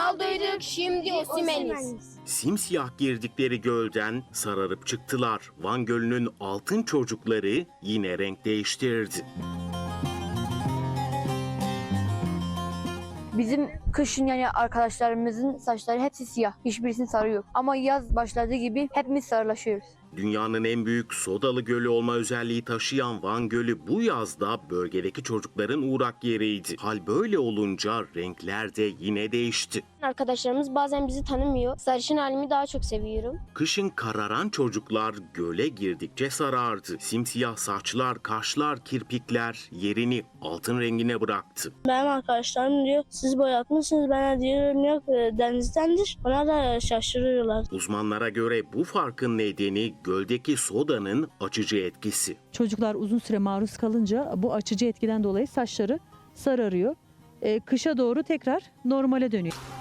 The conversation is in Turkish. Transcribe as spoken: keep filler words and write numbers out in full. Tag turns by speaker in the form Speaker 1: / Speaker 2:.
Speaker 1: Ronaldo'yduk, şimdi Osimhen'iz.
Speaker 2: Simsiyah girdikleri gölden sararıp çıktılar. Van Gölü'nün altın çocukları yine renk değiştirdi.
Speaker 3: Bizim kışın yani arkadaşlarımızın saçları hepsi siyah. Hiçbirisinin sarı yok. Ama yaz başladığı gibi hepimiz sarılaşıyoruz.
Speaker 2: Dünyanın en büyük sodalı gölü olma özelliği taşıyan Van Gölü bu yazda bölgedeki çocukların uğrak yeriydi. Hal böyle olunca renkler de yine değişti.
Speaker 1: Arkadaşlarımız bazen bizi tanımıyor. Sarışın halimi daha çok seviyorum.
Speaker 2: Kışın kararan çocuklar göle girdikçe sarardı. Simsiyah saçlar, kaşlar, kirpikler yerini altın rengine bıraktı.
Speaker 4: Benim arkadaşlarım diyor siz boyatmışsınız, ben de diyorum yok denizdendir. Ona da şaşırıyorlar.
Speaker 2: Uzmanlara göre bu farkın nedeni göldeki sodanın açıcı etkisi.
Speaker 5: Çocuklar uzun süre maruz kalınca bu açıcı etkiden dolayı saçları sararıyor. Ee, kışa doğru tekrar normale dönüyor.